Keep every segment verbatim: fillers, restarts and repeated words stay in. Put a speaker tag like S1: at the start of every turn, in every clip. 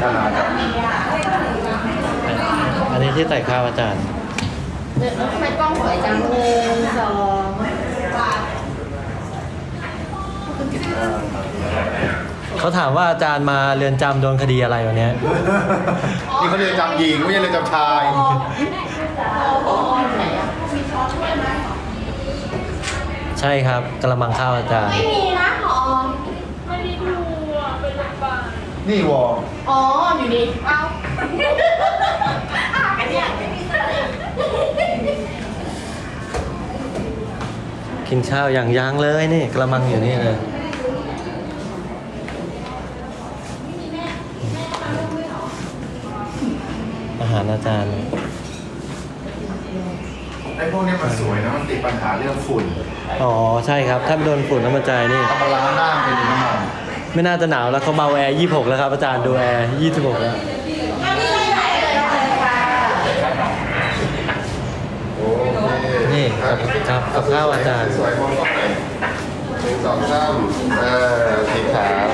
S1: ทานครับ
S2: อันนี้ที่ใส่ข้าวอาจารย์
S3: เดี๋ยวทำไมกล้องสวยจังหนึ่งสอง
S2: เขาถามว่าอาจารย์มาเรือนจำโดนคดีอะไรวันนี้
S1: นี่เขาเรียนจำหญิงไม่ใช่เรียนจำชาย
S2: ใช่ครับกระมังข้าวอาจารย์
S3: ไม่มีนะหอ
S4: ไม่ได้ดูอ่ะเป็นโรงพยาบาล
S1: นี่วอ
S3: อ๋ออยู่นี่เอาอันเนี้ยไม่มีสักเลย
S2: กินข้าวอย่างยั้งเลยนี่กระมังอยู่นี่เลยอาหารอาจารย์
S1: ไอ้พวกนี้มันสวยนะมันติดปัญหาเรื่องฝุ่น
S2: อ๋อใช่ครับถ้าโดนฝุ่นน้ำมันใจนี่
S1: ทำมาล้างหน้าเป็นน้ำมัน
S2: ไม่น่าจะหนาวแล้วเขาเบาแอร์ยี่สิบหกแล้วครับอาจารย์ดูแอร์ยี่สิบหกแล้วนี่ครับครับกับข้าวอาจารย์
S1: สวยมองต้องไหนหนึ่งสองสามเออสีขาว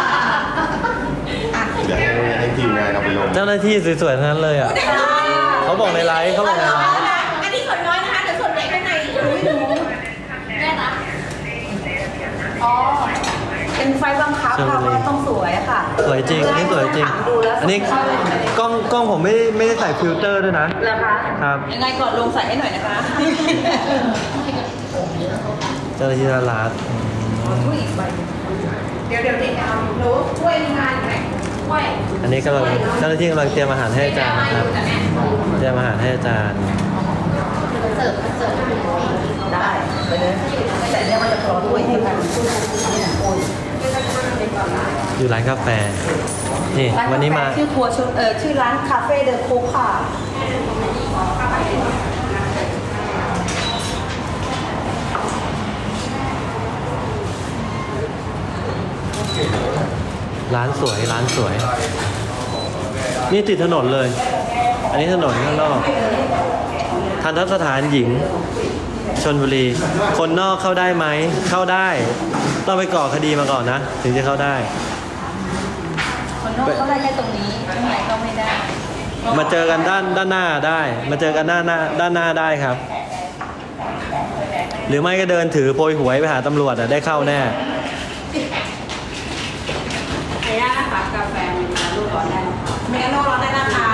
S1: อยากให้ให้ทีมงานเอาไปลง
S2: เจ้าหน้าที่สวยๆทั้งนั้นเลยอ่ะเขาบอกในไลฟ์เขาบอกในไลฟ์
S3: อันนี้ส่วนน้อยนะคะเดี๋ยวส่วนใหญ่ข้างในไม่รู้แน่นะอ๋อเป็นไฟบังคับค่ะว่าต้องสวยค่ะ
S2: สวยจริงอันนี้สวยจริงอันนี้กล้องกล้องผมไม่ได้ไม่ได้ใส่ฟิลเตอร์ด้วยนะ
S3: เหรอคะ
S2: ครับ
S3: ยังไงก่อนลงใส่ให้หน่อยนะคะ
S2: เจ้าหน้าที่รัฐ
S3: เดี๋ยวเดี๋ยวเด็กเอารู้ช่วยงานไหมช่วย
S2: อันนี้กำลังเจ้าหน้าที่กำลังเตรียมอาหารให้อาจารย์นะครับเตรียมอาหารให้อาจารย์
S3: เสิร์ฟเสิร์ฟได้ไปเลยแต่เนี่ยมันจะพอด้วยให้กัน
S2: อยู่ร้านกาแฟนี่วันนี้มา
S3: ชื่อครัวชุดเออชื่อร้านคาเฟ่เดอะโคกค่ะ
S2: ร้านสวยร้านสวยนี่ติดถนนเลยอันนี้ถนนข้างนอกทันทสถานหญิงชลบุรีคนนอกเข้าได้ไหมเข้าได้ต้องไปก่อคดีมาก่อนนะถึงจะเข้าได้
S3: คนนอกเข้าได้แค่ตรงนี้ข้างในก็ไม่ได้
S2: มาเจอกันด้านด้านหน้าได้มาเจอกันด้านหน้าด้านหน้าได้ครับหรือไม่ก็เดินถือโพยหวยไปหาตำรวจอ่ะได้เข้าแน่
S3: ไอ้ย่านะคะกาแฟมีน้ำลูกร้อนได้เมนูร้อนได้นะคะ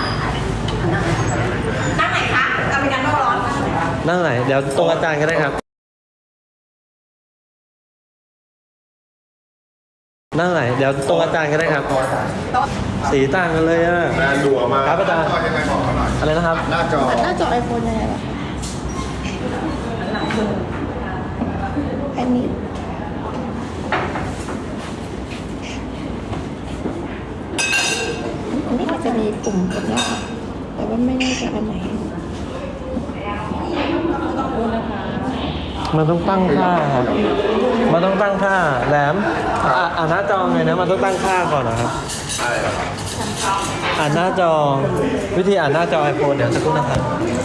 S3: นั่งไหนคะอเมริกาโน่ร้อน
S2: นั่งไหนเดี๋ยวตรงอาจารย์ก็ได้ครับนั่งไหนเดี๋ยวตรงอาจารย์ก็ได้ครับสีต่างกันเลยอ่ะ
S1: แบรนด์ดัวมา
S2: ครับอาจารย์อะไรนะครับ
S1: หน้าจอ
S3: หน้าจอไอโฟนยังไงวะอันนี้อันนี้อาจจะมีปุ่มกดแล้วแต่ว่าไม่แน่ใจอันไหน
S2: มันต้องตั้งค่าครับมันต้องตั้งค่าแหลมอ่าอ่านหน้าจอไงนะมันต้องตั้งค่าก่อนนะครับ
S1: ใช่ครับ
S2: อ่านหน้าจอวิธีอ่านหน้าจอ iPhone เดี๋ยวสักครู่นะครับ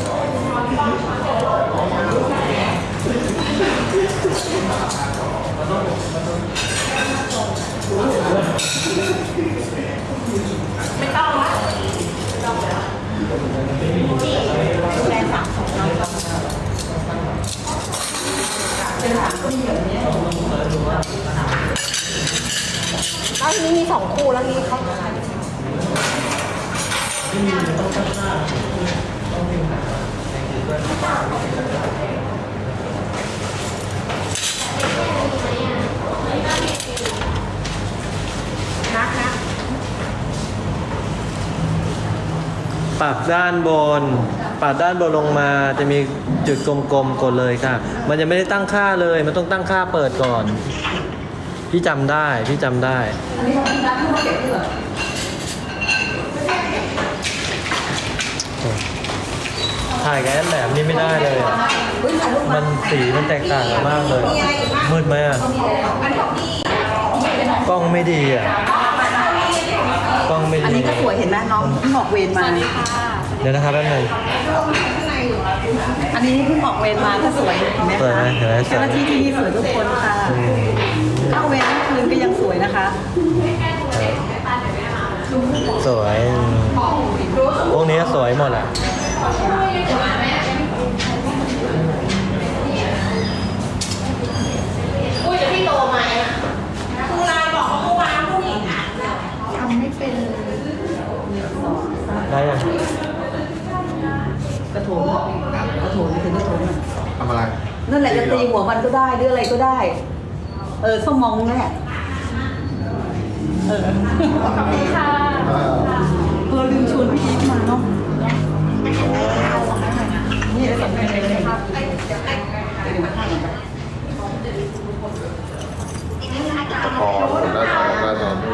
S3: ไม่ต้องละแรงสามสองน้อยกว่าแล้วทีนี้มีสองคู่แล้วนี้เขานักนะ
S2: ปรับด้านบนปรับด้านบนลงมาจะมีจุดกลมๆกดเลยค่ะมันจะไม่ได้ตั้งค่าเลยมันต้องตั้งค่าเปิดก่อนพี่จำได้พี่จำได้ถ่ายกับแอนแหลมนี่ไม่ได้เลยอ่ะมันสีมันแตกต่างกันมากเลยมืดไหมอ่ะกล้องไม่ดีอ่ะกล้องไม่ดี
S3: อันนี้ก็สวยเห็นไหมน้องเพิ่งออกเวรมา
S2: เดี๋ยวนะครับแป๊บนึง
S3: อันนี้เพิ่งออกเวรมาก็สวยเห็นไหมคะเจ้าหน้าที่ที่นี่สวยทุกคนค่ะเข้าเวรทั้งคืนก็ยังสวยนะคะ
S2: สวยพวกนี้สวยหมดอ่ะ
S3: อุ้ยจะพี่โตไหมครูลายบอกว่าเมื่อวานผู้หญิงอ่ะทำไม่เป็น
S2: ได้ยัง
S5: กระโถนกระโถนถึงกระโถน
S1: ทำอะไร
S5: นั่นแหละจะตีหัวมันก็ได้หรืออะไรก็ได้ เออส้มมองนั่นแหละเออ
S3: ขอบคุณค่ะ
S1: อ่า
S5: เออลืมชวนพี่อีฟมาเนาะนี่ได้สำคัญเลยครับ
S1: ตะกอนหน้าจอหน้าจอดู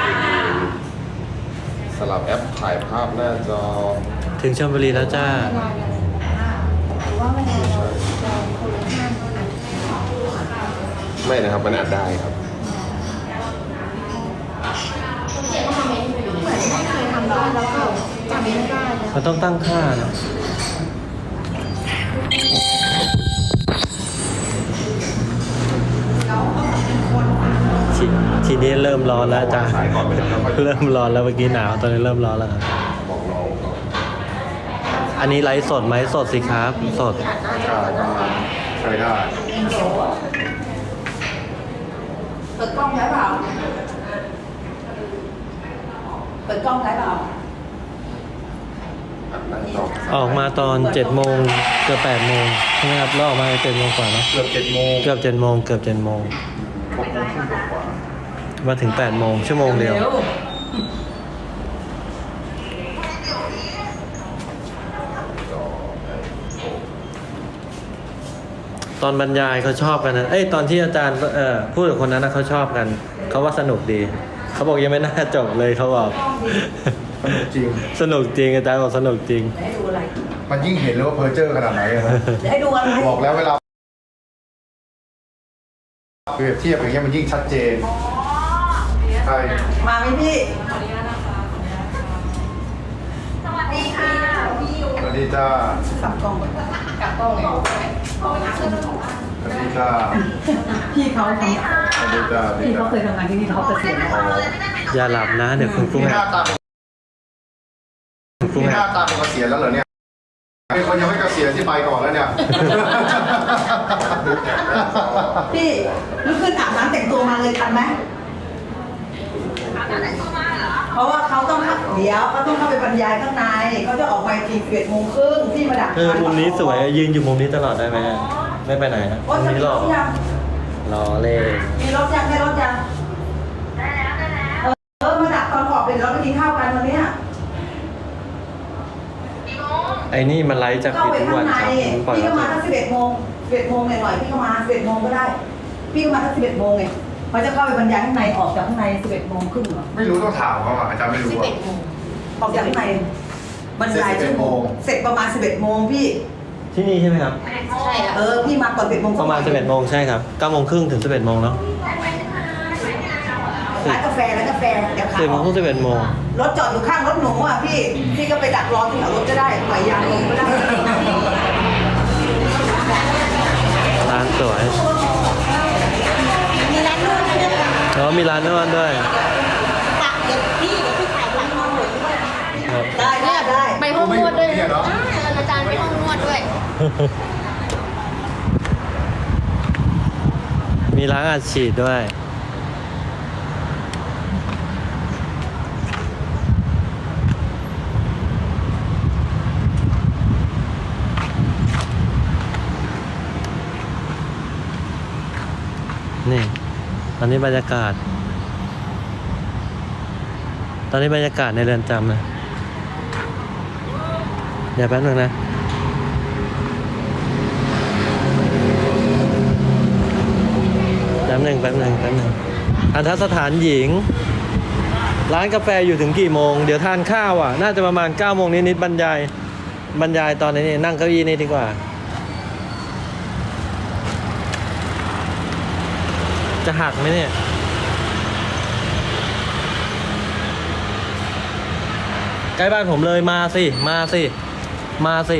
S1: สลับแอปถ่ายภาพหน้าจอ
S2: ถึงชลบุรีแล้วจ้า
S1: ไม่นะครับมันอัดได้ครับ
S2: มันต้องตั้งค่านะทีทีนี้เริ่มร้อนแล้วจ้า เริ่มร้อนแล้วเมื่อกี้หนาวตอนนี้เริ่มร้อนแล้วครับ
S1: บอกน้องก่อน
S2: อันนี้ไลฟ์สดไหมสดสิครับ สด
S1: ใช่กำลังใช้ได้
S5: เปิดกล้องได้เปล่าเปิดกล้องได้เปล่า
S1: อัดหน้าจอ
S2: ออกมาตอนเจ็ดโมงเกือบแปดโมงใช่ไหมครับแล้วออกมาเจ็ดโมงกว่าเนอะ
S1: เกือบเจ็ดโมง
S2: เกือบเจ็ดโมงเกือบเจ็ดโมง
S1: หกโมงครึ่งกว่า
S2: มาถึงแปดโมงชั่วโมงเดียว
S5: ร็
S2: ตอนบรรยายเขาชอบกันนะเอ้ยตอนที่อาจารย์เอ่อพูดกับคนนั้นนะเขาชอบกัน เขาว่าสนุกดี เขาบอกยังไม่น่าจบเลยเขาบอก
S1: จริง
S2: สนุกจริงอาจารย์บอกสนุกจริง
S5: ให้ดูอะไร
S1: มันยิ่งเห็นเลยว่าเพอร์เจอร์ขนาดไหนอะนะ
S5: เดี๋ยวให้ดูอะไร
S1: บอกแล้วเวลาเปรียบเทียบอย่างเงี้ยมันยิ่งชัดเจนใช่
S5: มาไหมพี่
S3: สวัสดีค่ะพี่ยู
S1: สวัสดีจ้า
S5: สับกล้อง
S3: กับกล้องเลย
S1: สวัสดีจ้า
S5: พี่เขาทำ
S1: สวัสดีจ้าสวัสดี
S5: พี่
S1: จ้า
S5: เขาเคยทำงานที่นี่เขาเกษียณแล้ว
S2: อย่าหลับนะ เดี๋ยวคุณครู
S1: นี่ห
S2: แห
S1: น้าก ตา
S2: คุณครู
S1: นี่
S2: แห
S1: หน้าก ตาเป็นเกษียณแล้วเหรอเนี่ยมีคนยังไม่เกษียณที่ไปก่อนแล้วเนี่ย
S5: พี่ลุกขึ้นอาบน้ำแต่งตัวมาเลยทันไหมเพราะว่าเขาต้องเดี๋ยวเขาต้องเข้าไปบรรยายข้างในเขาจะออกไปทีสิบเอ็ดโมงครึ่งพี่มาดัก
S2: เออมุมนี้สวยยืนอยู่มุมนี้ตลอดได้ไหมไม่ไปไหนนะ
S5: โอ้
S2: มุม
S5: จะ
S2: นี้
S5: มี
S2: ห
S5: ร
S2: ล่อ
S5: ถยัง
S2: รอเล่น
S5: มีรถยังได้รถยังได้แล้วได้แล้วเออมาดักตอนออกไปเดี๋ยวเราไปกินข้าวกันวันเนี้ย
S2: ไอ้นี่มันไลฟ์จาก
S5: เข้า
S2: ฟีด
S5: ไป
S2: ทุก
S5: ข้า
S2: วัน
S5: งใน
S2: ครับปล่อย
S5: พี่
S2: แล้
S5: ก็
S2: ว
S5: มาตั้งสิบเอ็ดโมงสิบเอ็ดโมงหน่อยๆพี่ก็มาสิบเอ็ดโมงก็ได้ พี่ก็มาตั้งสิบเอ็ดโมงไงเขาจะเข้าไปบรรยายข้างในออกจากข้างในสิบเอ็ดโมงครึ่งเหรอ
S1: ไม่รู้ต้องถามเขาอ่ะอาจารย์ไม่รู้อ่ะ
S5: ออกจากข้างในบรรยายชั่วโมงเสร็จประมาณสิบเอ็ดโมงพี่
S2: ที่นี่ใช่ไหมครับ
S3: ใช่ค่ะ
S5: เออพี่มาก่อนสิบเอ็ดโมง
S2: ประมาณสิบเอ็ดโมงใช่ครับเก้าโมงครึ่งถึงสิบเอ็ดโมงเนาะ
S5: ร้านกาแฟร้านกาแฟเดี๋ยวขา
S2: สิบโมงถึงสิบเอ็ดโมง
S5: รถจอดอยู่ข้างรถหนูอ่ะพี่พี่ก็ไปดักรอที่แถวรถก็ได้ปล่อยยางลงก็ได้
S2: ร้านสวย
S3: มีร้านนวดด้วยค่ะ
S2: แล้วมีร้านนวดด้วย
S3: ตักเดี๋ยวพี่เดี๋ยวพี่ถ่ายหลังห้องหนูด้วย
S2: ครับ
S5: ได้ได้ได้
S3: ไปห้องนวดด้วยอ่าอาจารย์ไปห้องนวดด้วย
S2: มีร้านอัดฉีดด้วย นี่ ตอนนี้บรรยากาศ ตอนนี้บรรยากาศในเรือนจำนะเดี๋ยวแป๊บนึงนะ แป๊บหนึ่งแป๊บหนึ่งแป๊บหนึ่งอันทสถานหญิง ร้านกาแฟอยู่ถึงกี่โมง เดี๋ยวทานข้าวอ่ะ น่าจะประมาณเก้าโมงนิดๆบรรยาย บรรยายตอนนี้นี่นั่งเก้าอี้นี่ดีกว่า จะหักไหมเนี่ย ใกล้บ้านผมเลยมาสิ มาสิ มาสิ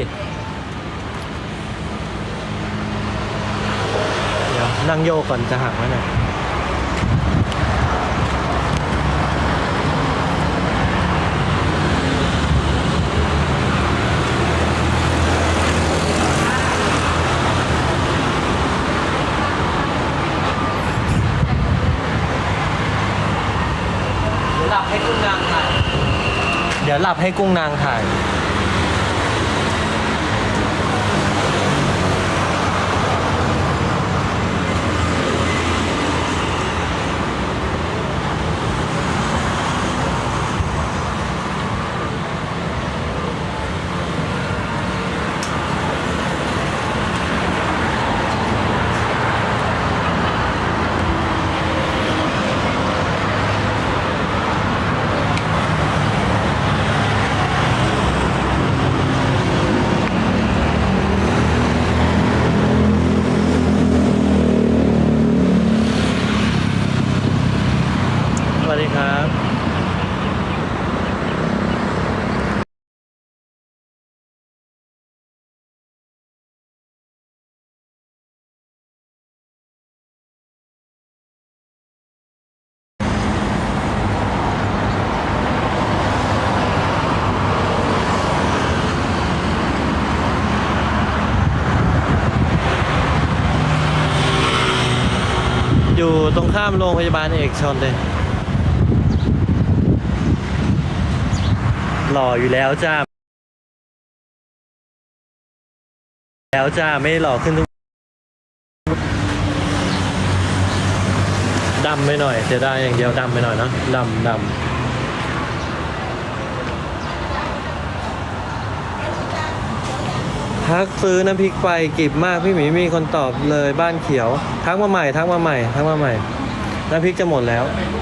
S2: เดี๋ยวนั่งโยกก่อนจะหักไหมเนี่ยดี๋ยวหลับให้กุ้งนางถ่าย สวัสดีครับ อยู่ตรงข้ามโรงพยาบาลเอกชนเลย หล่ออยู่แล้วจ้า แล้วจ้า ไม่หล่อขึ้นทุกดำไปหน่อยเสียดายอย่างเดียวดำไปหน่อยเนอะดำดำทักซื้อน้ำพริกไปกิบมากพี่หมีมีคนตอบเลยบ้านเขียว ทักมาใหม่ทักมาใหม่ทักมาใหม่น้ำพริกจะหมดแล้ว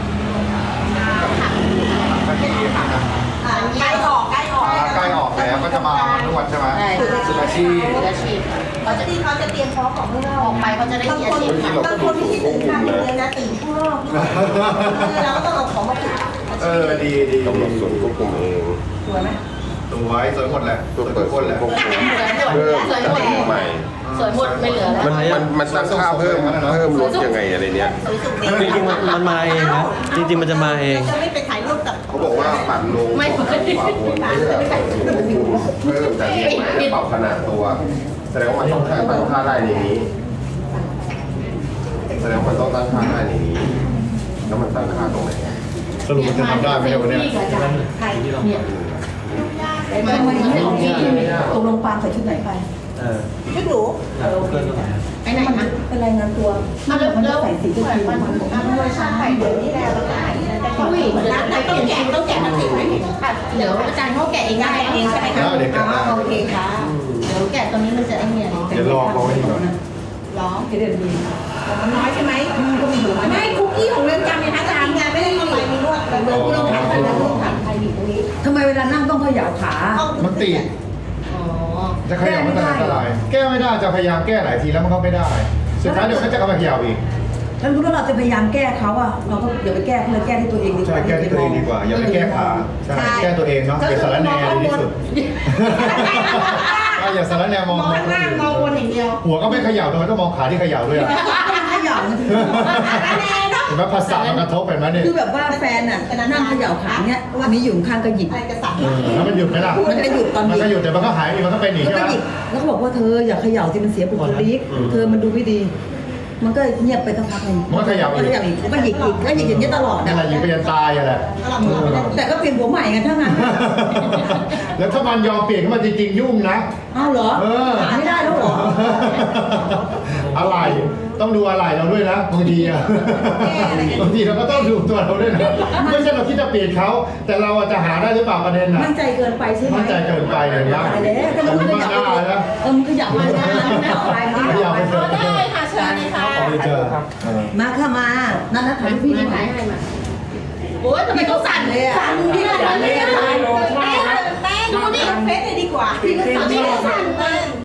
S3: ใกล้ออกใกล้ออก
S1: ใกล้ออกแล้วก็จะมานวดใช่ไหม
S3: ใช่
S1: สุอาชีพ
S3: อาชีพเขาจะที่เขาจะเตรียมพร้อมของข้างนอกออกไปเขาจะได้มีอาชีพบางคนที่ตื่นข้างเดียวนะตื่นข้างนอกเราก็ต้องเอาของมาปิด
S1: เออดีดีกำหนดส่วนควบคุมเอง
S3: สวยไหม
S1: สวยสวยหมดแหละสวยทุกคนแหละ
S3: สวยหมด
S1: เพิ่ม
S3: สวยหมด
S1: ใหม่
S3: สวยหมดไม่เหลือแล้ว
S1: มันมันมันตั้งค่าเพิ่มเพิ่มลดยังไงอะไรเนี้ย
S3: สวยสุด
S2: จริงๆมันมันมาเองนะจริงๆมันจะมาเอง
S3: จะไม่ไปถ่ายรูปกับ
S1: เขาบอกว่าปั่นลง
S3: ไม่
S1: ขวาบนเพื่อเพิ่มแต่นี่ปรับขนาดตัว แสดงว่ามันต้องตั้งค่าได้ในนี้ แสดงว่ามันต้องตั้งค่าได้ในนี้ แล้วมันตั้งค่าตรงไหน
S6: สรุปมันจะทำได้ไหมเนี่ยวันเนี้ย
S3: ใครเนี่ย
S5: ทำไมไม่ของพี่ตกลงปางใส่ชุดไหนไป
S2: เออ
S3: ชุดหรู
S2: เออเพื่อนตรงไหน
S3: ไปไหนนะ
S5: เป็นรายงานตัว
S3: มัน
S5: มัน
S3: เริ่
S5: จะ
S3: ม
S5: ใส่สี
S3: เห
S5: ชุด
S3: มือน
S5: ที
S3: มันมันมันใช่เดี๋ยวนี้แล้วแล้วแต่ต้องต้องแกะต้องแกะทั้งสิ่งไหมเดี๋ยวอาจารย์เขาแกะเองได้เองใช่ไหมคะโอเคค่ะเดี๋ยวแกะตรงนี้มันจะไอ้เนี่ย
S6: เดี๋ยวรอเขาไว้ดีกว่า
S3: ร้อง
S5: เดือนดี
S3: มันน้อยใช่ไหมก็มีอยู่ไม่คุกกี้ของเรือนจำเนี่ยนะอาจารย์งานไม่ได้เข้าไปมีนวดแต่เรือนที่เราทำกันแล้วทำใครอยู่ตรงนี้
S5: ทำไมเวลานั่งต้องเขย่าขา
S6: มันติด
S3: อ๋อ
S6: จะขยับมันจะอันตรายแก้ไม่ได้จะพยายามแก้หลายทีแล้วมันก็ไม่ได้ สุดท้ายเดี๋ยวก็จะเอามาขยับอีก
S5: แล้วรู้ว่าเราจะพยายามแก้เขาอะเราก็อย่าไปแก้เขาเลยแก้ที่ตัวเองดีก
S6: ใช่
S5: ว่า
S6: แก้ที่ตัวเองดีกว่า อย่าไปแก้ขาใช่แก้ตัวเองเนาะอย่าสารแนดีที่สุดอย่าสารแนมอง
S3: มองล่างมองบนอย่างเดียว
S6: หัวก็ไม่ขยับทำไมต้องมองขาที่ขยับด้วยอ่ะ
S5: เขย่ามันถึง
S6: เห็นไหมภาษามันกระทบเห็นไหมเนี่ย
S5: คือแบบว่าแฟนอะนั่งเขย่าขาเนี้ยวันนี้อยู่ข้างก็หยิบ
S3: อะไรกระสับ
S6: แล้วมันหยุดไหมล่ะ
S5: มันก็หยุดตอนหยิ
S6: มัน
S5: บ
S6: ก็หยุดแต่มันก็หายอีกมันก็เป็นอีก
S5: แล้ว
S6: ใช่
S5: ก็
S6: ไหม
S5: หยิบแล้วก็บอกว่าเธออย่าเขย่าสิมันเสียบุคลิกเธอมันดูไม่ดี มันก็เงียบไปสักพักหนึ่ง
S6: มันก็ขยับ
S5: ก็
S6: อีก
S5: ขยับอีกแล้วก็หยิกอีกก็หยิกอย่างนี้ยตลอด
S6: นั่น
S5: อะ
S6: แหละยิงไปยันตายอ่ะแหละ
S5: แต่ก็เปลี่ยนหัวใหม่กันทั้งนั้น
S6: แล้วถ้ามันยอมเปลี่ยนขึ้นมาจริงๆยุ่งนะ
S5: อ้าวเหรอ
S6: เออ
S5: หาไม่ได้แล้วเหรอ
S6: อะไรต้องดูอะไรเราด้วยนะบางทีอะบางทีเราก็ต้องดูตัวเราด้วยนะไม่ใช่เราคิดจะเปลี่ยนเขาแต่เราอาจจะหาได้หรือเปล่าประเด็นน่ะ
S5: มั่นใจเกินไปใช่ไหม
S6: มั่นใจเกินไปอย่างเงี้ย
S5: ตายแล้วแต่มันก็ขยับ
S6: มันไม่ได้นะ
S5: เออมันขยับมาได้มันขยับไปมัน
S6: ไม่อยากไปเจอ
S3: ได้ค่ะเชิญเลยค่ะ
S6: เอาไปเจอเออ
S5: มาค่ะมานั่นนะถ่ายรูปพี่
S3: ไม่
S5: หน่
S3: ถ่า
S5: อยย
S3: ให้มาโอ้ยทำไมต้องสั่นเลยอ่ะสั่นที่สั่นเลยอ่ะแป้งแป้งดูดิเฟซเลยดีกว่าพี่ก็สั่นไม่ได้สั่นเลย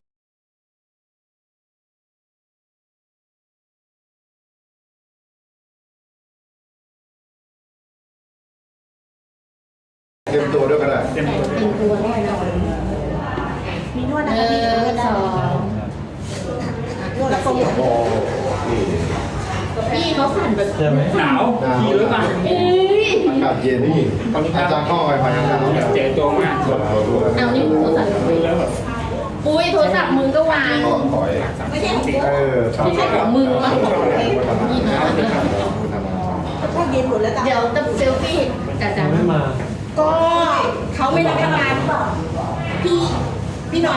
S6: เตรียมตัวด้วยก็ได้
S3: เป็นตัวด้วยนะมีนวดนะคะพี่นวดสองนวดแล้วก็หมด
S1: โอ้นี่
S3: พี่เขาสั่นแบบ
S2: ใช่ไหม
S7: หนาวมีหรือเปล่า
S3: เอ้ย
S6: อากาศเย็นนี่อาจารย์เข้าไปภายในนั้น
S7: เจ๋ตัวมาก
S1: ส่วนตัวด้วย
S3: เอานี่โทรศัพท์
S7: ดูแล้วแบบ
S3: อุ้ยโทรศัพท์มึงก็วาง
S1: ก็ถอย
S3: ไม่ใช่ของ
S6: เออชอบ
S3: ไม่ใช่ของมึงมั้งพวกเย็นหมดแล้วเดี๋ยวจะเซลฟี่จ้าจ้า
S2: ไม่มา
S3: ก็เขาไม่รับประทานพี่พี่หน่อย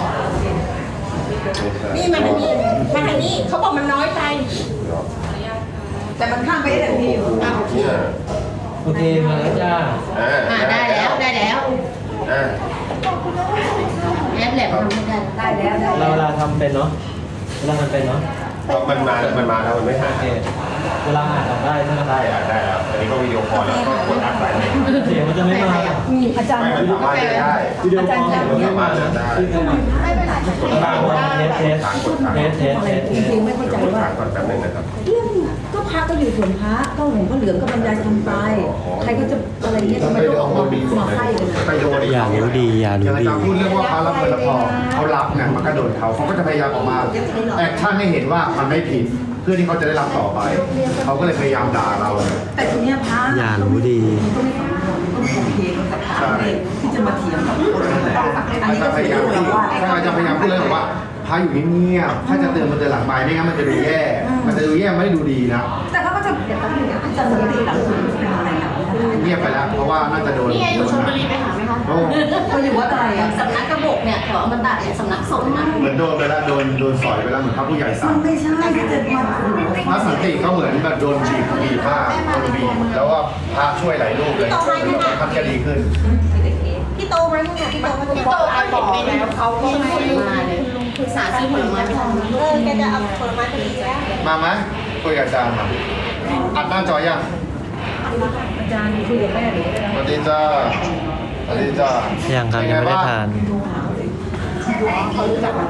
S3: นี่มันอันนี้มาทางนี้เขาบอกมันน้อยไป
S5: แต่มันข้ามไปได้แต่พี่อยู่
S3: อ่ะ
S1: เนี่ย
S2: โอเคมาแล้วจ้า
S1: อ่า
S3: อ่าได้แล้วได้แล้ว
S1: อ่า
S3: แอปแหลมทำไม่ได้
S5: ได้แล้วได้
S2: เราเวลาทำเป็นเนาะเวลาทำเป็นเนาะ
S1: มันมามันมาแล้วมันไม่หา
S2: โอเคเวลาอ่านออกได้ใช่ไหม
S1: ได้อะได้แล้วอันนี้ก็วิดีโอคอลแล้วก็กดอัดไปเลย
S2: เสียงมันจะไม่มา
S5: อาจารย์
S1: ไม่มันสามารถเล่นได้
S2: วิดีโอคอลเสียงมันไม่มานะขึ้นเข้ามา
S3: ไม่เป็นไร
S1: กดค้าง
S2: เทสเทสเทสเทสเทสเทส
S5: จริงๆไม่เข้าใจ
S1: กด
S5: ว่า
S1: ค้างก่อนแป๊บนึงนะครับ
S5: เรื่องก็พระก็อยู่ส่วนพระก็หลวงพ่อเหลืองก็บรรยายทำไปใครก็จะอะไรเงี้ยทำไมต้องออกมามาให้เลย
S1: ไปโดน
S2: อย่ารู้ดีอย่า
S6: อย่าง
S2: รู้
S6: อา
S2: ดี
S6: จารย์พูดเรื่องว่าพระรับเงินแล้วพอเขารับเนี่ยมันก็โดนเขาเขาก็จะพยายามออกมาแอคชั่นให้เห็นว่ามันไม่ผิดเพื่อที่เขาจะได้รับต่อไปเขาก็เลยพยายามด่าเรา
S5: แต่ทีเนี้ยพระ
S2: อย่ารู้ดี
S5: ก็ไม่ฟังก็โอเคกับพระเลยที่จะมาเถียงกับคนอื่นอัน
S6: อา
S5: นี้
S6: จา
S5: ก็
S6: รย์พ
S5: เป็น
S6: ยายาม
S5: เรื่อง
S6: ที่
S5: ว่า
S6: ถ้าอาจารย์พยายามพูดเลยบอกว่าพระอยู่เงียบๆถ้าจะเตือนมันเตือนหลังไปไม่งั้นมันจะดูแย่ มันจะดูแย่ไม่ได้ดูดีนะ
S5: แต่เขาก็จะเดี๋ยวแป๊บนึงนะอาจารย์สติหลังสุดเป็นอะไรนะ
S6: เงียบไปแล้วเพราะว่าน่าจะโดน
S3: นี่ไงอยู่ชลบุรีไปหาไหมคะ
S6: โอ้
S5: เขาอยู่วัดอะไรอ่ะ
S3: สำนักกระบอกเนี่ยแถวอมตะเนี่ยสำนักสงฆ์นะ
S6: เหมือนโดนไปแล้วโดนโดนสอยไปแล้วเหมือนพระผู้ใหญ่
S5: มั
S6: สั่
S5: น
S6: ง
S5: ไม่ใช่ที่จะมา
S6: พระสันติก็เหมือนแบบโดนบีบบีบผ้าโดนบีบแล้วว่าพระช่วยหลายรูปเลยท่านก็ดีขึ้น
S3: พี่โตมาเนี่ยพี่โตมาพี่โตเอาบอกไปแล้วเขาก็ไม่มาเลยคือสาซื้อผลไม้ไปทำเออแกจะเอาผลไม้ไปดีแล้ว
S6: มาไหมคุยกับอาจารย์มาอัดหน้าจอยัง
S5: อาจารย์คุยกับแม่หรือ
S6: สวัสดีจ้าสวัสดีจ้า
S2: ยังครับยังไม่ได้ทาน
S5: เขารู้จัก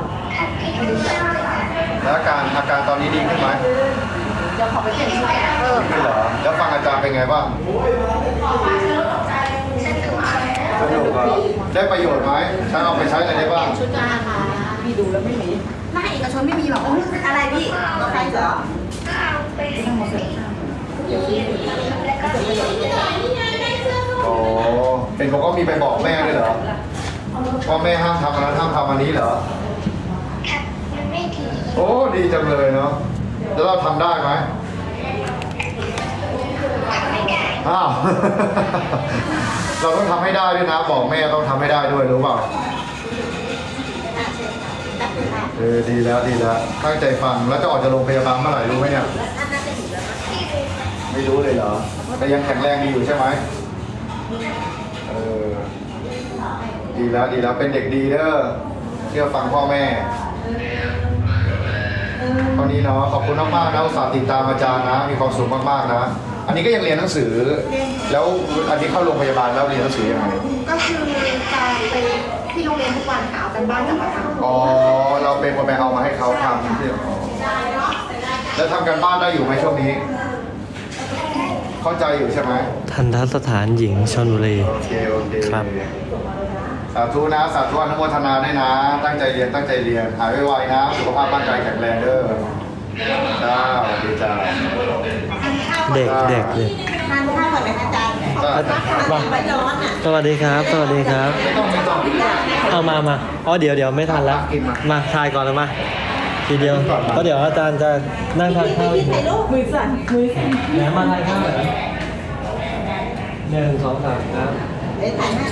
S6: แล้วอาการอาการตอนนี้ดีขึ้นไหม
S3: เดี๋ยวขอไปเปลี่ยนชุดเออ
S6: ดีเหรอแล้วฟังอาจารย์เป็นไงบ้างสนุกเหรอได้ประโยชน์ไหมถ้าเอาไปใช้อะไรได้บ้าง
S3: ชุดจ้าค่ะพี่ดูแล้วไม่มีถ้าเอกชนไม่มีหรอกอะไรพี่รถไฟเหรอ
S6: โอ้เป็นผมก็มีไปบอกแม่ด้วยเหรอว่าแม่ห้ามทำอันนั้นห้ามทำอันนี้เหรอโอ้ดีจังเลยเนาะแล้วเราทำได้ไหมอ้าว เราต้องทำให้ได้ด้วยนะ บอกแม่ต้องทำให้ได้ด้วยรู้เปล่าเออดีแล้วดีแล้วตั้งใจฟังแล้วจะออกจากโรงพยาบาลเมื่อไหร่รู้ไหมเนี่ยไม่รู้เลยเหรอแต่ยังแข็งแรงดีอยู่ใช่ไหมเออดีแล้วดีแล้วเป็นเด็กดีเด้อเชื่อฟังพ่อแม่ตอนนี้เนาะขอบคุณมากๆนะอุตส่าห์ติดตามอาจารย์นะมีความสุขมากๆนะอันนี้ก็ยังเรียนหนังสือ แล้วอันนี้เข้าโรงพยาบาลแล้วเรียนหนังสือยังไง
S3: ก็คือการไปที่โรงเรียนทุกวันค่ะเอากันบ้านกลับมาทำ
S6: อ๋อเราเป็นคนไปเอามาให้เขาทำที่อ๋อแล้วทำกันบ้านได้อยู่ไหมช่วงนี้ เข้าใจอยู่ใช่ไหม
S2: ทันทสถานหญิงชลบุรี
S6: โอเคโอเค
S2: ครับ
S6: สาธุนะสาธุอนุโมทนาด้วยนะ ตั้งใจเรียนตั้งใจเรียนหายไวๆนะสุขภาพร่างกายแข็งแรงเด้อจ้าสวัสดีจ้า
S2: เด็กเด็กเด็ก
S3: ทานข้าวก่อนไหมอาจารย์ขอบคุณมากค่ะมันร้อนอ่ะ
S2: สวัสดีครับ สวัสดีครับ
S6: ไม่ต้องไม่ต้อง
S2: เอามามาอ๋อเดี๋ยวเดี๋ยวไม่ทันแล้ว มาทายก่อนเลยมา ทีเดียวเพราะเดี๋ยวอาจารย์จะนั่งทานข้าวอีก
S3: ถ่ายรูปมือสั่นมือสั่น
S2: แหนมาทานข้าวเหรอหนึ่งสองสามครับ
S3: เดี๋ยวถ่ายให้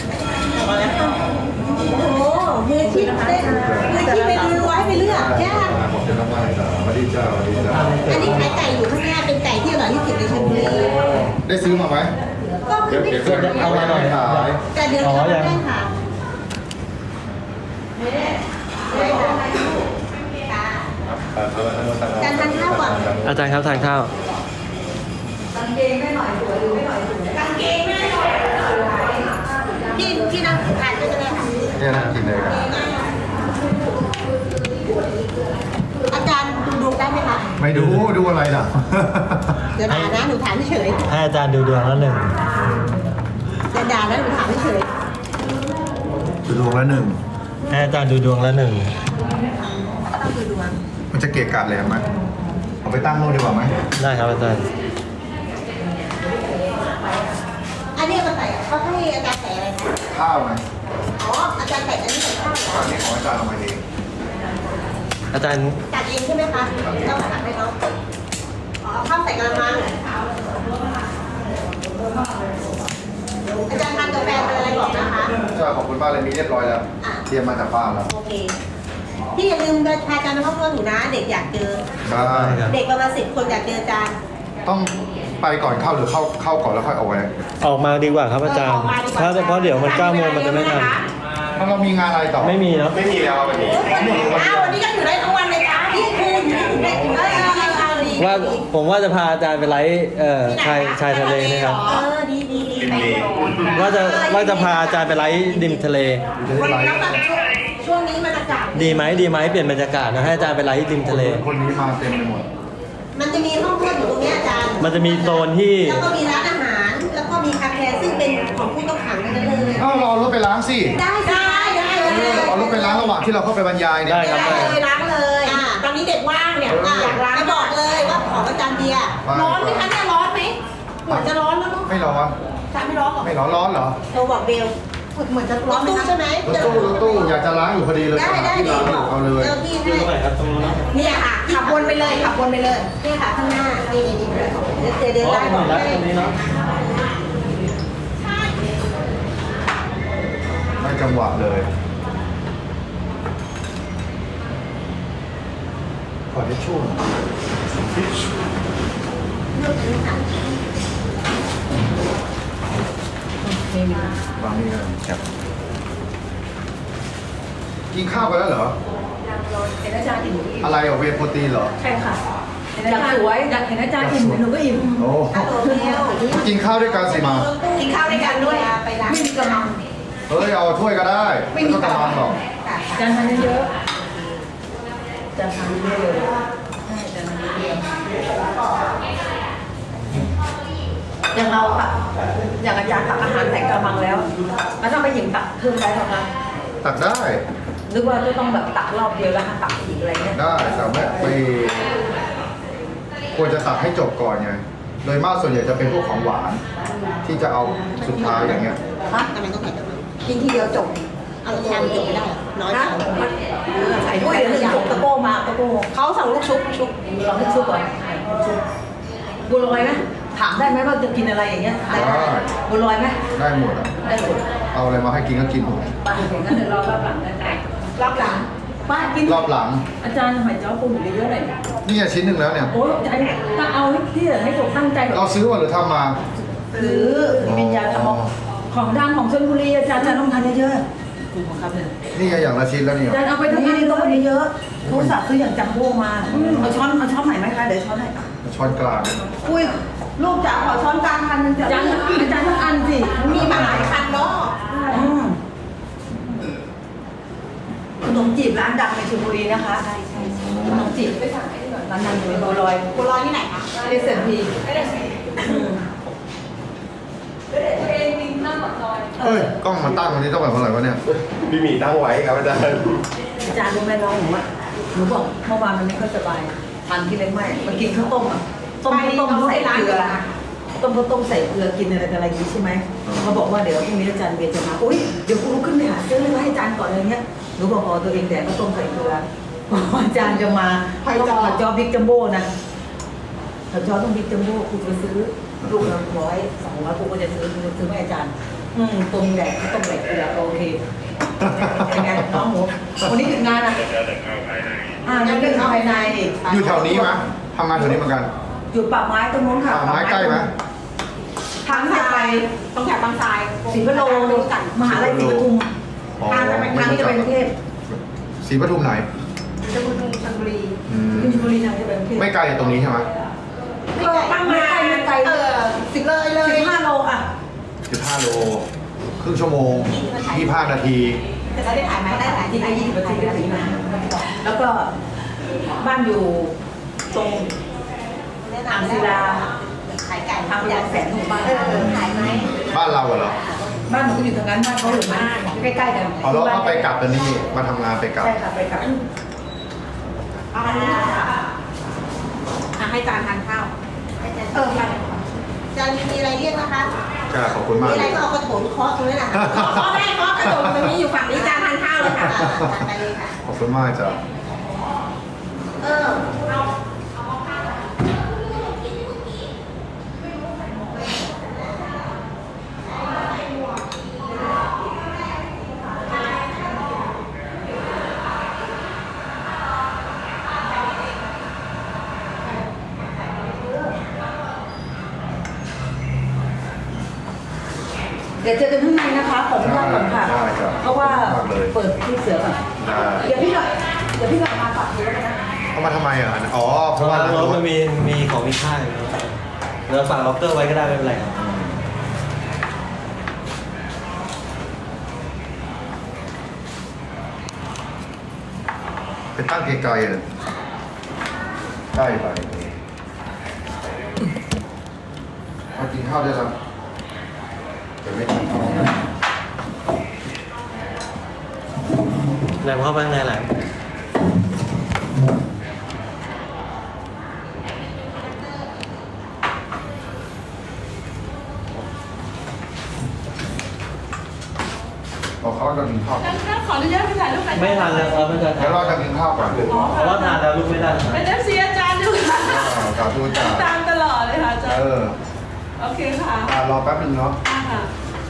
S3: โอ้โหมือคิดเต้นมือคิดไปดูไว้ไปเลือกยาก
S6: ขอบคุณมากๆจ้าสวัสดีจ้าสวัสดีจ้า
S3: อันนี้ขายไก่อยู่ข้างหน้าเป็นไก่ที่อร่อยที่สุดในชลบุรี
S6: ได้ซื้อมาไหม
S3: ก็คื
S6: เดี๋ยว
S3: อไม่
S6: เดี๋ยวเพื่อนเอามาหน่อยขาย
S3: แต่เดี๋ยวเราไม่ได้ค่ะไม่ได้ไม่ได้ค่ะการทานข้าวก่อน
S2: อาจารย์ครับทานข้าว
S5: กางเกงไม่หน่อยสวยหรือไม่หน่อยสวย
S3: กางเกงแม่หน่อยพี่พี่นั่งทานก็จะได้ค่ะ
S6: เนี่ยนะกินเลยครับ
S3: อาจารย์ดูดวงได้ไหมคะ
S6: ไม่ดูดูอะไรล่ะ
S3: เดี๋ยวด่านะหนูถามเฉย
S2: ให้อาจารย์ดูดวงแล้วหนึ่ง
S3: เดี๋ยวด่านะหนูถามเฉย
S6: ดูดวงละหนึ่ง
S2: ให้อาจารย์ดูดวงแล้วหนึ่ง
S3: ต้องดูดวง
S6: มันจะเกะกะแหลมไหมเอาไปตั้งโน่นดีกว่าไหม
S2: ได้ครับอาจารย์
S3: อันนี้มาใส่เขาให้อาจารย์ใส่อะไรนะ
S6: ข้าวไหม
S3: อ๋ออาจารย์ใส่อันนี้ใส่ข้าวเหรอ
S6: อันนี้ของอาจารย์เอามาเอง
S2: อาจารย์
S3: ตัดเองใช่ไหมคะต้องตัดให้น้องอ๋อข้าวใส่กระมังอาจารย์ทานกาแฟเป็นอะไรบอกนะคะ
S1: ใช่ขอบคุณมากเลยมีเรียบร้อยแล้ว
S3: อ่ะ
S1: เตรียมมาจากบ้านแล้ว
S3: โอเคพี่อย่าลืมพาอาจารย์มาเข้าเพื่อนหนูนะ เด็กอยากเจอ
S1: ได้
S2: ครับ
S3: เด็กประมาณสิบคนอยากเจออาจารย์
S1: ต้องไปก่อนเข้าหรือเข้าเข้าก่อนแล้วค่อยเอาไว้
S2: ออกมาดีกว่าครับอาจารย์ถ้าเพราะเดี๋ยวมันเก้าโมงมันจะไม่ทัน
S1: มันเรามีงานอะไรต่อ
S2: ไม่มีเนาะ
S1: ไม่มีแล้ววันนี้
S3: อ้าววันนี้ก็อยู่ได้ทั้งวันเลยจ้าพี่คุณได้เออเอาดี
S2: ว่าผมว่าจะพาอาจารย์ไปไลฟ์เอ่อชายชายทะเลนะครับ
S3: เออดีดีดีไป
S2: ว่าจะว่าจะพาอาจารย์ไปไลฟ์ริมทะเล
S3: วันนี้แบบช่วงช่วงนี้มันอากาศ
S2: ดีไหมดีไหมเปลี่ยนบรรยากาศนะให้อาจารย์ไปไลฟ์ริมทะเล
S1: คนนี้มาเต็มไปหมด
S3: มันจะมีห้องเพื่อนอยู่ตรงนี้อาจารย์
S2: มันจะมีโซนที่
S3: แล้วก็มีร้านอาหาร แล้วก็มีคาเฟ่ซึ่งเป็นของผู้ต้องขังกันเลย
S1: เอ้ารอรถไปล้างสิ
S3: ได้ได้ได้
S1: เออเอารถไปล้างระหว่างที่เราเข้าไปบรรยายเนี่ย
S2: ได้ครับ
S3: เลยล้างเลยตอนนี้เด็กว่างเนี่ยอยากล้างบอกเลยว่าของอาจารย์เบียร์ร้อนไหมคะเนี่ยร้อนไหมเหมือนจะร้อนแล้วเนาะ
S1: ไม่ร้อน
S3: อาจารย์ไม่ร้อนหรอ
S1: ไม่ร้อนร้อนเหรอ
S3: โทรบอกเบลเหมือนจะร้อนใช่ไหม
S1: รถตู้รถตู้อยากจะล้างอยู่พอดีเลย
S3: ได้ได้
S1: ที่
S3: ดี
S1: ล้าง
S3: บ
S1: อ
S3: อยู่ ก
S1: เอาเลย
S3: เจ้าที่
S2: อยู่
S3: ให้
S2: ตรงไหนครับตรงนู้นนะ
S3: เนี่ยค่ะขับวนไปเลยขับวนไปเลยเนี่ยค่ะข้างหน้านี่นี่นี่เดินเดิน
S2: อ๋อ
S3: ได้
S2: ต
S3: บ
S2: ร
S3: อง ก
S2: นี้
S3: ให้
S2: ตรงนี้เนาะ
S1: ไม่จังหวะเลยขอทิชชู่หน่อย
S3: เลือกนี้ค่ะ
S1: วางนี่กันครับกินข้าวไปแล้วเหรอ
S5: เห็นอาจารย์อิ่ม
S1: อะไรอ่ะเวย์โปรตีนเหรอ
S5: ใช่ค่ะอยากสวยอยากเห็นอาจารย์อิ่มหนูก็อิ่ม
S1: โอ้
S3: ฮัลโหลเบล
S1: กินข้าวด้วยกันสิมา
S3: กินข้าวด้วยกันด้วยไปร้าน
S5: ไม่มีกำลัง
S1: เฮ้ยเอาถ้วยก็ได้ไม่ต้องกระมังหรอก
S5: อาจารย์ทานเยอะๆอาจารย์ทานเยอะเลยใช่อาจารย์ทานเยอะอย่างเราค่ะอย่างอาจารย์ตักอาหารใส่กระมังแล้วแล้วถ้าไปหยิบตักเพิ่มได้ไหมคะ
S1: ตักได้
S5: นึกว่าจะต้องแบบตักรอบเดียวแล้วตักอีกอะไรเงี้ย
S1: ได้แต่ไม่ไปควรจะตักให้จบก่อนไงโดยมากส่วนใหญ่จะเป็นพวกของหวาน ที่จะเอาสุดท้ายอย่างเงี้ย
S3: ฮะทำไมต้องใส่กระมัง
S5: กินทีเดียวจบ
S3: เอาชามจบไม่ได้น้อย
S5: นะ
S3: จัง
S5: ใส่ด้วยเดี๋ยวหนึ่งถุงตะโก้มาตะโก้
S3: เขาสั่งลูกชุบชุบ
S5: ลองให้ซุปก่อนบัวลอยไหมถามได้ไหมว่าจะกินอะไรอย่างเงี้ยได้บัวลอยไหม
S1: ได้หมดอ่ะ
S5: ได้หมด
S1: เอาอะไรมาให้กินก็กินหมด
S5: ป้าเห็นงั้นเดี๋ยวรอรอบหลังได้ไหม
S3: รอบหลัง
S5: ป้ากิน
S1: รอบหลัง
S5: อาจารย์หอยจ้อปูเยอะๆหน่อย
S1: นี่ไงชิ้นหนึ่งแล้วเนี่ย
S5: โอ้ยอาจารย์ถ้าเอาให้ที่เหลือให้ผมตั้งใจ
S1: เราซื้อมาหรือทำมา
S5: หรือเป็นยาทำของดังของชลบุรีอาจารย์อาจารย์ต้องทานเยอะๆคุณของครับเนี่ย
S1: นี่ไงอย่างละชิ้นแล้วเนี่ย
S5: อาจารย์เอาไปทำงานต้องไปเยอะๆโทรศัพท์ซื้ออย่างจัมโบ้มาเอาช้อนเอาช้อนไหนไหมคะเดี๋ยวช้อนให้
S1: ช้อนกลาง
S5: อุ้ยลูกจ๋าขอช้อนกลางพันหนึงจ้ะอาจารย์อาจารย์ต้องอันสิ
S3: มีมาหลายคันเนาะ
S5: อืมขนมจีบร้านดังในชลบุรีนะคะใช่ใช่ขนมจีบไปสั่งให้หน่อยร้านดังอยู่ในบัวลอย
S3: บัวลอยที่ไหนคะ
S5: เอสเอ็มพี
S1: เฮ้ยกล้องมันตั้งวันนี้ต้องแบบเท่าไหร่วะเนี่ย
S8: พี่หมีตั้งไว้ครับอาจารย์
S5: อาจารย์รู้ไหมน้องหนูอ่ะหนูบอกเมื่อวานมันไม่ค่อยสบายทานที่เล็กไม่มากินข้าวต้มอ่ะต้มข้าวต้มใส่เกลือต้มข้าวต้มใส่เกลือกินอะไรอะไรอย่างนี้ใช่ไหมเขาบอกว่าเดี๋ยวพรุ่งนี้อาจารย์เบียร์จะมาอุ้ยเดี๋ยวกูลุกขึ้นไปหาซื้อเลยมาให้อาจารย์ก่อนอะไรเงี้ยหนูบอกพอตัวเองแต่ข้าวต้มใส่เกลือพออาจารย์จะมาต้องขอจอบิ๊กจัมโบ้นะขอจอต้องบิ๊กจัมโบ้กูจะซื้อลูกละร้อยสองร้อยกูก็จะซื้อกูจะซื้อให้อาจารย์ อืมตรงแดกต้มแดกเกลือโอเคเป็นไงน้องหมูวันนี้ถึงงานอ่ะอ่ายังเรื่องภายใน
S1: อยู่แถวนี้ไหมทำงานแถวนี้เหมือนกัน
S5: อยู่ป่าไม้ตรงนู้นค่ะ
S1: ป่าไม้ใกล้ไหม
S5: ทางจะไป
S3: ต้องแถวบางทราย
S5: ศรีพะโลมหาลัยศรีปทุม
S1: อ๋อ
S5: ทางจะไปทางที่จะไปกรุงเทพ
S1: ศรีปทุมไหน
S3: ชลบุรีชลบุรี
S1: อืม
S5: ขึ้นชลบุรีทางจะไปกรุงเทพ
S1: ไม่ไกลจากตรงนี้ใช่ไหม
S3: ไม่ไกล
S5: ตั้งไม้ไม่ไกล
S3: เออสิบเลยเลย
S5: สิบห้าโลอ่ะ
S1: สิบห้าโลครึ่งชั่วโมงยี่สิบห้านาที
S3: แต่เราได้ถ่ายไหมได้ถ่าย
S5: ที่
S3: ที่
S5: ไป
S3: ไหน
S5: ยี่สิบนาทีได้ถึงนะแล้วก็บ้านอยู่ตรง อ่างศิลา
S3: ขายไก่
S5: ทางไปยังแสนหมู่บ้าน
S3: เออขายไหม
S1: บ้านเราเหรอ
S5: บ้านหนูก็อยู่ทางนั้นบ้านเขาอยู่บ้านใกล้ๆกัน
S1: อ๋อแล้วก็ไปกลับกันนี่มาทำงานไปกลับ
S5: ใช่ค่ะไปกลับ
S3: เอาอันนี้ค่ะอ่ะให้จานทานข้าวเออมาจานมีอะไรเรียกนะคะ
S1: จ้าขอบคุณมาก
S3: มีอะไรก็เอากระโถนเคาะตรงนี้แหละเคาะเคาะได้เคาะกระโถนตรงนี้อยู่ฝั่งนี้จานทานข้าวเลยค่ะทานไปเลยค่ะ
S1: ขอบคุณมากจ้ะ
S3: เออเอา
S5: ดี๋ยวเจอกันข้างในนะคะขออนุญาตก่อนค่ะ
S1: ได้ครับ
S5: เพราะว่า
S1: ขอบคุณมากเลย
S5: เปิดที่เสือก่อน
S1: ได้
S5: เดี๋ยวพี่หน่อยเดี๋ยวพี่หน่อยมาฝากดูแล้วกันนะ
S6: เขามาทำไมอ่ะอ๋อเพ
S2: เพ
S6: ราะ
S2: ราะ
S6: ว่า
S2: ว่า
S6: ทาง
S2: รถ
S6: รถ
S2: มันมีมีของมีค่าอยู่เราฝากล็อกเกอร์ไว้ก็ได้ไม่เป็นไรครับ
S6: ไปตั้งไกลๆเลยใกล้ไปมากินข้าวได้แล้วแต่ไม่กินข้าว
S2: แหลมเข้าไปข้างในแหลม
S6: บอกเขาว่าจะกินข้าว
S4: ขออนุญาตไปถ่ายรูปกัน
S2: ไม่ทานแล้วครับไม่ทาน
S6: เดี๋ยวเราจะกินข้าวก่อน
S2: เพราะว่าทานแล้วลูกไม่ได้ครับ
S4: เป็นเอฟซีอาจารย์ด้วยค่ะ
S6: กาทูจ่า
S4: ตามตลอดเลยค่ะอาจาร
S6: เอ
S4: ย์
S6: อ
S4: โอเคค่ะ
S6: อ่ารอแป๊บนึงเนาะ
S4: ค่ะ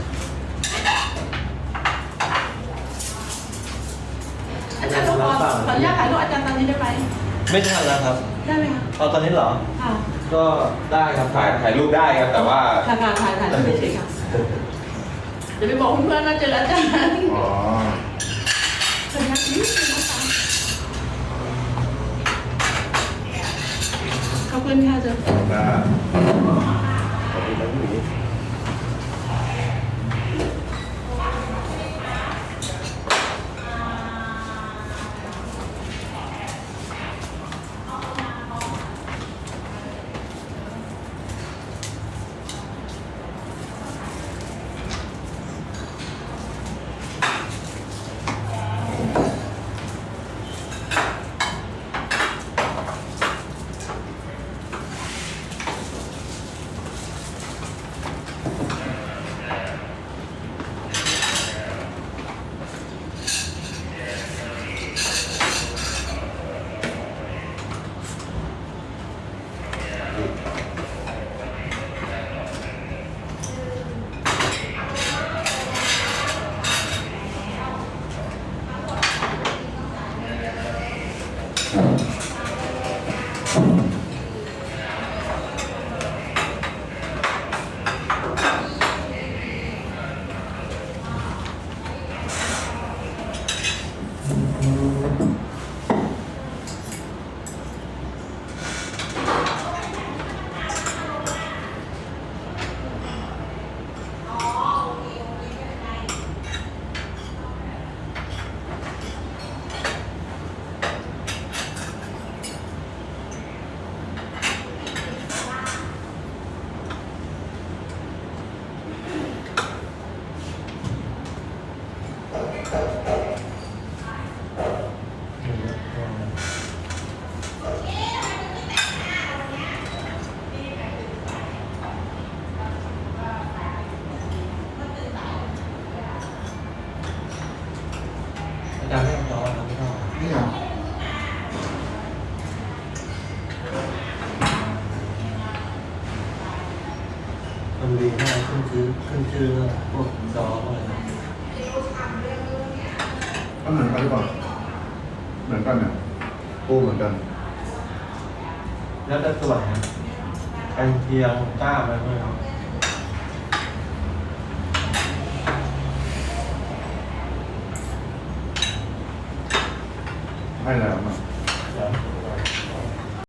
S4: อาจารย์ขอขออนุญาตถ่ายรูปอาจารย์ตอนนี้ได้ไหม
S2: ไม่ทานแล้วครับ
S4: ได้ไหมคะ
S2: เอาตอนนี้เหรอ
S4: ค่ะ
S2: ก็ได้ครับ
S8: ถ่ายถ่ายรูปได้ครับ แต่ว่า
S4: ค่ะค่ะถ่ายถ่ายรูปเฉยๆค่ะเดี๋ยวไปบอกเพื่อนๆว่าเจออาจารย์
S6: อ๋อ
S4: ขออนุญาตนิดนึงนะคะขอบคุณค่ะอาจารย์
S1: ได้ขอบคุณนะพี่หมี
S2: อาจารย์ไม่ต้องรอครับไม่ต้อง
S6: นี่ไง
S2: มันมีให้ขึ้นชื่อขึ้นชื่อแล้วพวกจออะไรนะ
S6: มันเหมือนกันหรือเปล่าเหมือนกันเนี่ยปูเหมือนกัน
S2: แล้วแต่ส่วนนะกันเทียงกล้าไปไหมครับ
S6: ให้แล้วมา
S2: เดี๋ยว